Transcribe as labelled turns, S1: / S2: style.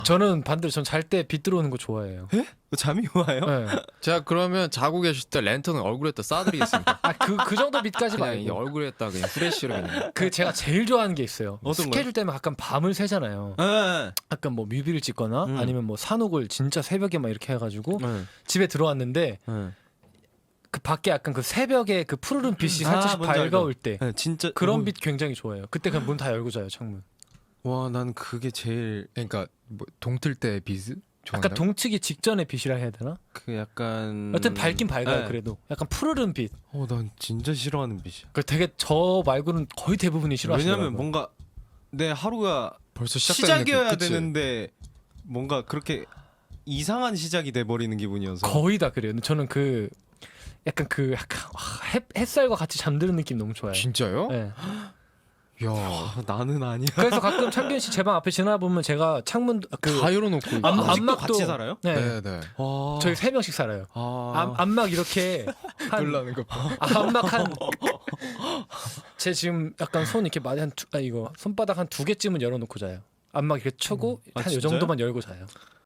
S1: 저는 반대로 전 잘 때 빛 들어오는 거 좋아해요.
S2: 잠이 와요?
S1: 네.
S3: 제가 그러면 자고 계실 때 랜턴을 얼굴에다 쏴드리겠습니다.
S1: 그 정도 빛까지
S3: 그냥 이
S1: 말고.
S3: 얼굴에다 그냥 후레쉬로 그냥.
S1: 그 제가 제일 좋아하는 게 있어요.
S2: 어떤 거요?
S1: 스케줄 때문에 가끔 밤을 새잖아요.
S2: 네.
S1: 약간 뭐 뮤비를 찍거나 아니면 뭐 산옥을 진짜 새벽에 막 이렇게 해가지고
S2: 네.
S1: 집에 들어왔는데
S2: 네.
S1: 그 밖에 약간 그 새벽에 그 푸르른 빛이 살짝
S2: 뭔지 알죠?
S1: 밝아올 때
S2: 네, 진짜
S1: 그런 빛 굉장히 좋아해요. 그때 그냥 문 다 열고 자요, 창문.
S2: 와, 난 그게 제일
S3: 그러니까 뭐 동틀 때 빛
S1: 약간
S3: 좋아한다.
S1: 동트기 직전의 빛이라 해야 되나?
S2: 그 약간
S1: 여튼 밝긴 밝아요.
S2: 네.
S1: 그래도 약간 푸르른 빛.
S2: 난 진짜 싫어하는 빛이야.
S1: 그 되게 저 말고는 거의 대부분이 싫어하시더라고요.
S2: 왜냐면 뭔가 내 하루가
S3: 벌써 시작되는
S2: 시작이어야
S3: 느낌, 그치?
S2: 되는데 뭔가 그렇게 이상한 시작이 돼 버리는 기분이어서.
S1: 거의 다 그래요. 근데 저는 그 약간 햇살과 같이 잠드는 느낌 너무 좋아요.
S3: 진짜요?
S1: 네.
S3: 야,
S2: 나는 아니야.
S1: 그래서 가끔 창균 씨 제 방 앞에 지나 보면 제가 창문
S3: 다 열어놓고.
S2: 아직도
S1: 안막도
S2: 같이 살아요?
S1: 네.
S3: 네.
S2: 와.
S1: 저희 3명씩 살아요. 안막 이렇게
S3: 놀라는 거 봐.
S1: 안막 한 제 지금 약간 손 이렇게 많이 이거 손바닥 한 2개쯤은 열어놓고 자요. 안막 이렇게 쳐고
S2: 아,
S1: 한 요
S2: 진짜요?
S1: 정도만 열고 자요.